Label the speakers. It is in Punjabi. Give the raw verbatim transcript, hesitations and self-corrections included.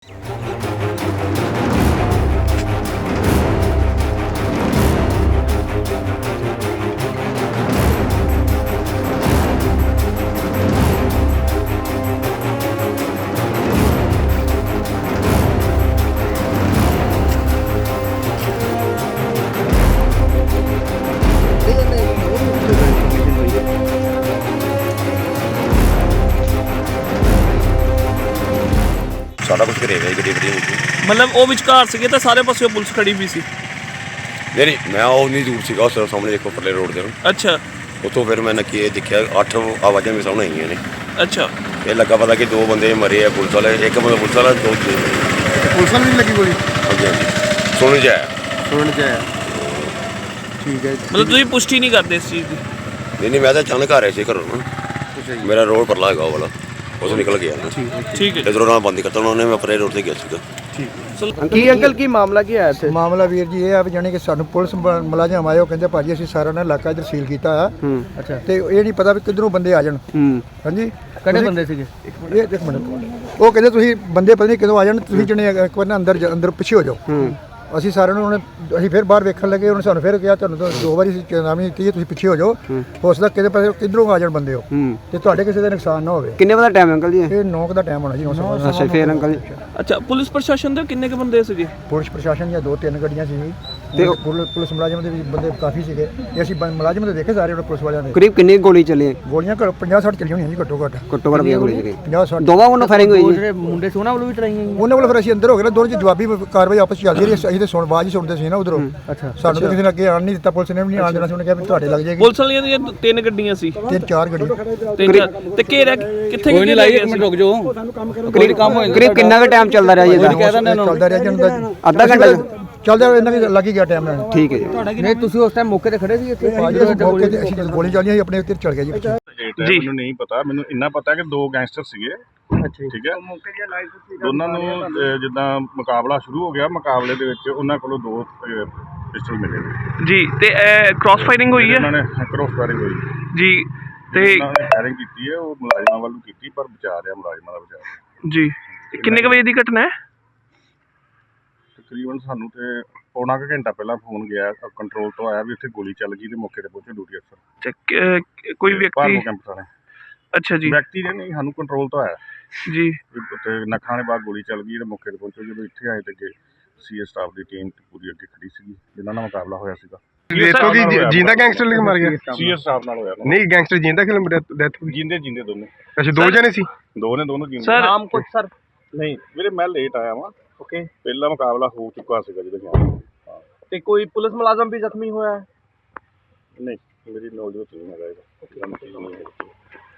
Speaker 1: ਸਾਰਾ ਕੁਝ ਘਰੇ ਵੇ ਗੱਡੀ ਗੱਡੀ
Speaker 2: ਮਤਲਬ ਉਹ ਵਿਚਕਾਰ ਸੀਗੇ ਤਾਂ ਸਾਰੇ ਪਾਸੇ ਪੁਲਿਸ ਖੜੀ ਵੀ ਸੀ।
Speaker 1: ਨਹੀਂ ਨਹੀਂ ਮੈਂ ਉਹ ਨਹੀਂ ਦੂਰ ਸੀਗਾ, ਉਸ ਸਾਹਮਣੇ ਦੇਖੋ ਪਰਲੇ ਰੋਡ ਤੇ।
Speaker 2: ਅੱਛਾ।
Speaker 1: ਉੱਥੋਂ ਫਿਰ ਮੈਂ ਨੱਕੀ ਇਹ ਦੇਖਿਆ ਅੱਠ ਆਵਾਜ਼ਾਂ ਮੇਰੇ ਸਾਹਮਣੇ ਆਈਆਂ ਨੇ।
Speaker 2: ਅੱਛਾ।
Speaker 1: ਇਹ ਲੱਗਾ ਪਤਾ ਕਿ ਦੋ ਬੰਦੇ ਮਰੇ ਆ ਪੁਲਿਸ ਵਾਲੇ, ਇੱਕ ਬੰਦਾ ਪੁਲਿਸ ਵਾਲਾ, ਦੋ
Speaker 3: ਪੁਲਿਸ ਵਾਲੇ ਨਹੀਂ ਲੱਗੀ ਗੋਲੀ?
Speaker 1: ਹਾਂਜੀ ਹਾਂਜੀ ਸੁਣ ਜਾਇਆ
Speaker 3: ਸੁਣ ਜਾਇਆ ਠੀਕ ਹੈ।
Speaker 2: ਮਤਲਬ ਤੁਸੀਂ ਪੁਸ਼ਟੀ ਨਹੀਂ ਕਰਦੇ ਇਸ ਚੀਜ਼ ਦੀ?
Speaker 1: ਨਹੀਂ ਨਹੀਂ ਮੈਂ ਤਾਂ ਅਚਾਨਕ ਆ ਰਿਹਾ ਸੀ ਘਰੋਂ ਨਾ, ਮੇਰਾ ਰੋਡ ਪਰਲਾ ਹੈਗਾ ਉਹ ਵਾਲਾ, ਉਸ ਨਿਕਲ ਗਿਆ ਨਾ।
Speaker 2: ਠੀਕ ਹੈ।
Speaker 1: ਇਧਰੋਂ ਨਾਲ ਬੰਦ ਕਰਤਾ ਉਹਨੇ, ਮੈਂ ਪਰੇ ਰੋਡ ਤੇ ਗਿਆ ਸੀਗਾ।
Speaker 3: ਕੀ ਅੰਕਲ ਕੀ ਮਾਮਲਾ ਕੀ ਆਇਆ ਇੱਥੇ? ਮਾਮਲਾ ਵੀਰ ਜੀ ਇਹ ਆ ਵੀ ਜਾਣੀ ਕਿ ਸਾਨੂੰ ਪੁਲਿਸ ਮੁਲਾਜ਼ਮ ਆਏ, ਉਹ ਕਹਿੰਦੇ ਭਾਜੀ ਅਸੀਂ ਸਾਰਾ ਨਾ ਇਲਾਕਾ ਇੱਧਰ ਸੀਲ ਕੀਤਾ ਆ। ਅੱਛਾ। ਤੇ ਇਹ ਨਹੀਂ ਪਤਾ ਵੀ ਕਿੱਧਰੋਂ ਬੰਦੇ ਆ ਜਾਣ। ਹਾਂਜੀ ਕਿਹੜੇ ਬੰਦੇ ਸੀਗੇ? ਇਹ ਇੱਕ ਮਿੰਟ, ਉਹ ਕਹਿੰਦੇ ਤੁਸੀਂ ਬੰਦੇ ਪਤਾ ਨਹੀਂ ਕਿਦੋਂ ਆ ਜਾਣ, ਤੁਸੀਂ ਜਣੇ ਇੱਕ ਵਾਰ ਨਾ ਅੰਦਰ ਅੰਦਰ ਪਿੱਛੇ ਹੋ ਜਾਓ। ਅਸੀਂ ਸਾਰਿਆਂ ਨੂੰ ਉਹਨੇ ਅਸੀਂ ਫਿਰ ਬਾਹਰ ਵੇਖਣ ਲੱਗੇ, ਉਹਨੇ ਸਾਨੂੰ ਫਿਰ ਕਿਹਾ ਤੁਹਾਨੂੰ ਤਾਂ ਦੋ ਵਾਰੀ ਚੇਤਾਵਨੀ ਦਿੱਤੀ ਹੈ ਤੁਸੀਂ ਪਿੱਛੇ ਹੋ ਜਾਓ, ਹੋ ਸਕਦਾ ਕਿਤੇ ਪਾਸੇ ਕਿੱਧਰੋਂ ਆ ਜਾਣ ਬੰਦੇ ਹੋ ਤੇ ਤੁਹਾਡੇ ਕਿਸੇ ਦਾ ਨੁਕਸਾਨ ਨਾ ਹੋਵੇ। ਕਿੰਨੇ ਵਜੇ ਦਾ ਟਾਈਮ ਅੰਕਲ ਜੀ?
Speaker 2: ਇਹ
Speaker 3: ਨੌ ਦਾ ਟਾਈਮ ਹੋਣਾ ਜੀ। ਅੱਛਾ ਫਿਰ ਅੰਕਲ ਜੀ
Speaker 2: ਅੱਛਾ ਪੁਲਿਸ ਪ੍ਰਸ਼ਾਸਨ ਦੇ ਕਿੰਨੇ ਕੁ ਬੰਦੇ ਸੀਗੇ?
Speaker 3: ਪੁਲਿਸ ਪ੍ਰਸ਼ਾਸਨ ਦੀਆਂ ਦੋ ਤਿੰਨ ਗੱਡੀਆਂ ਸੀ ਤੇ ਪੁਲਿਸ ਮੁਲਾਜ਼ਮ ਦੇ ਵੀ ਬੰਦੇ ਕਾਫੀ ਸੀਗੇ। ਇਹ ਅਸੀਂ ਮੁਲਾਜ਼ਮ ਦੇ ਦੇਖੇ ਸਾਰੇ ਪੁਲਿਸ ਵਾਲਿਆਂ ਦੇ। ਕਰੀਬ ਕਿੰਨੀ ਗੋਲੀ ਚੱਲੀ? ਗੋਲੀਆਂ ਪੰਜਾਹ ਸੱਠ ਚੱਲੀਆਂ ਹੋਈਆਂ ਜੀ ਘੱਟੋ ਘੱਟ। ਘੱਟੋ ਘੱਟ ਗੋਲੀ ਚੱਲੀ ਪੰਜਾਹ ਸੱਠ। ਦੋਵਾਂ ਵੱਲੋਂ ਫਾਇਰਿੰਗ ਹੋਈ ਜੀ? ਮੁੰਡੇ ਸੋਨਾ ਵੱਲੋਂ ਵੀ ਚਲਾਈਆਂ ਜੀ? ਉਹਨਾਂ ਵੱਲੋਂ ਫਿਰ ਅਸੀਂ ਅੰਦਰ ਹੋ ਗਏ ਨਾ, ਦੋਨੋਂ ਜੀ ਜਵਾਬੀ ਕਾਰਵਾਈ ਆਪਸ ਚੱਲਦੀ ਰਹੀ। ਅਸੀਂ ਤੇ ਸੁਣ ਆਵਾਜ਼ ਹੀ ਸੁਣਦੇ ਸੀ ਨਾ ਉਧਰੋਂ। ਅੱਛਾ। ਸਾਨੂੰ ਤਾਂ ਕਿਸੇ ਨੇ ਅੱਗੇ ਆਣ ਨਹੀਂ ਦਿੱਤਾ, ਪੁਲਿਸ ਨੇ ਵੀ ਨਹੀਂ ਆਣ ਦੇਣਾ ਸੀ। ਉਹਨੇ ਕਿਹਾ ਵੀ ਤੁਹਾਡੇ ਲੱਗ ਜਾਏਗੀ।
Speaker 2: ਪੁਲਿਸ ਵਾਲੀਆਂ ਦੀਆਂ ਤਿੰਨ ਗੱਡੀਆਂ ਸੀ?
Speaker 3: ਤਿੰਨ ਚਾਰ ਗੱਡੀਆਂ।
Speaker 2: ਤਿੰਨ ਚਾਰ ਤੇ ਘੇਰਾ ਕਿੱਥੇ
Speaker 4: ਕੋਈ ਨਹੀਂ ਲਾਈ, ਇੱਕ ਮਿੰਟ ਰੁਕ ਜਾਓ।
Speaker 3: ਕਰੀਬ ਕੰਮ ਹੋਇਆ। ਕਰੀਬ ਕਿੰਨਾ ਕੁ ਟਾਈਮ ਚੱਲਦਾ ਰਿਹਾ ਜੀ? ਚੱਲਦਾ ਰਿਹਾ ਜੀ ਅੱਧਾ ਘੰਟਾ ਚੱਲਦਾ ਇਹਨਾਂ ਵੀ ਲੱਗ ਹੀ ਗਿਆ ਟਾਈਮ ਨਾਲ। ਠੀਕ ਹੈ ਜੀ। ਨਹੀਂ ਤੁਸੀਂ ਉਸ ਟਾਈਮ ਮੌਕੇ ਤੇ ਖੜੇ ਸੀ ਇੱਥੇ? ਮੌਕੇ ਤੇ ਅਸੀਂ ਗੋਲੀ ਚੱਲੀਆਂ ਸੀ ਆਪਣੇ ਉੱਤੇ ਚਲ ਗਿਆ ਜੀ ਪਿੱਛੇ।
Speaker 5: ਜੀ ਮੈਨੂੰ ਨਹੀਂ ਪਤਾ, ਮੈਨੂੰ ਇੰਨਾ ਪਤਾ ਕਿ ਦੋ ਗੈਂਗਸਟਰ ਸੀਗੇ। ਠੀਕ ਹੈ। ਦੋਨਾਂ ਨੂੰ ਜਿੱਦਾਂ ਮੁਕਾਬਲਾ ਸ਼ੁਰੂ ਹੋ ਗਿਆ, ਮੁਕਾਬਲੇ ਦੇ ਵਿੱਚ ਉਹਨਾਂ ਕੋਲੋਂ ਦੋ ਪਿਸਟਲ ਮਿਲੇ
Speaker 2: ਜੀ ਤੇ ਕ੍ਰਾਸ ਫਾਇਰਿੰਗ ਹੋਈ ਹੈ?
Speaker 5: ਉਹਨਾਂ ਨੇ ਕ੍ਰਾਸ ਫਾਇਰਿੰਗ ਹੋਈ
Speaker 2: ਜੀ ਤੇ
Speaker 5: ਉਹਨਾਂ ਨੇ ਫਾਇਰਿੰਗ ਕੀਤੀ ਹੈ, ਉਹ ਮੁਲਾਜ਼ਮਾਂ ਵੱਲੋਂ ਕੀਤੀ ਪਰ ਬਚਾ ਰਿਹਾ, ਮੁਲਾਜ਼ਮਾਂ ਦਾ ਬਚਾ।
Speaker 2: ਜੀ ਕਿੰਨੇ ਕੁ ਵਜੇ ਦੀ ਘਟਨਾ ਹੈ?
Speaker 5: ਤਕਰੀਬਨ ਸਾਨੂੰ ਤੇ ਪੌਣਾ ਕੁ ਘੰਟਾ ਪਹਿਲਾਂ ਫੋਨ ਗਿਆ ਕੰਟਰੋਲ ਤੋਂ, ਆਇਆ ਵੀ ਉੱਥੇ ਗੋਲੀ ਚੱਲ ਗਈ ਤੇ ਮੌਕੇ ਤੇ ਪਹੁੰਚੇ ਡਿਊਟੀ ਅਫਸਰ। ਕੋਈ ਵਿਅਕਤੀ? ਕੈਂਪ ਥਾਣੇ।
Speaker 2: ਅੱਛਾ ਜੀ।
Speaker 5: ਵਿਅਕਤੀ ਨੇ ਨਹੀਂ, ਸਾਨੂੰ ਕੰਟਰੋਲ ਤੋਂ ਆਇਆ
Speaker 2: ਜੀ
Speaker 5: ਉੱਥੇ ਨੱਖਾਂ ਦੇ ਬਾਅਦ ਗੋਲੀ ਚੱਲ ਗਈ ਤੇ ਮੌਕੇ ਤੇ ਪਹੁੰਚੇ। ਜਦੋਂ ਇੱਥੇ ਆਏ ਤੇ ਅੱਗੇ ਸੀ ਸਟਾਫ ਦੀ ਟੀਮ ਪੂਰੀ ਅੱਗੇ ਖੜੀ ਸੀਗੀ ਜਿਨ੍ਹਾਂ ਨਾਲ ਮੁਕਾਬਲਾ ਹੋਇਆ ਸੀਗਾ।
Speaker 6: ਦੇਖੋ ਕਿ ਜਿੰਦਾ ਗੈਂਗਸਟਰ ਲਿਖ ਮਾਰ ਗਿਆ?
Speaker 5: ਸੀ ਸਟਾਫ ਨਾਲ ਹੋਇਆ।
Speaker 6: ਨਹੀਂ ਗੈਂਗਸਟਰ ਜਿੰਦਾ ਕਿ ਡੈਥ ਹੋਈ?
Speaker 5: ਜਿੰਦੇ ਜਿੰਦੇ ਦੋਨੇ।
Speaker 6: ਅੱਛਾ ਦੋ ਜਣੇ ਸੀ?
Speaker 5: ਦੋ ਨੇ, ਦੋਨੋਂ ਜਿੰਦੇ।
Speaker 2: ਸਰ ਨਾਮ ਕੁਝ? ਸਰ
Speaker 5: ਨਹੀਂ ਵੀਰੇ ਮੈਂ ਲੇਟ ਆਇਆ ਵਾਂ। ਓਕੇ। ਪਹਿਲਾ ਮੁਕਾਬਲਾ ਹੋ ਚੁੱਕਾ ਸੀਗਾ ਜਦੋਂ ਗਿਆ।
Speaker 2: ਤੇ ਕੋਈ ਪੁਲਿਸ ਮੁਲਾਜ਼ਮ ਵੀ ਜ਼ਖਮੀ ਹੋਇਆ?
Speaker 5: ਨਹੀਂ ਮੇਰੀ ਨੌਲੇਜ ਵਿੱਚ ਨਹੀਂ ਹੈਗਾ ਇਹਦਾ।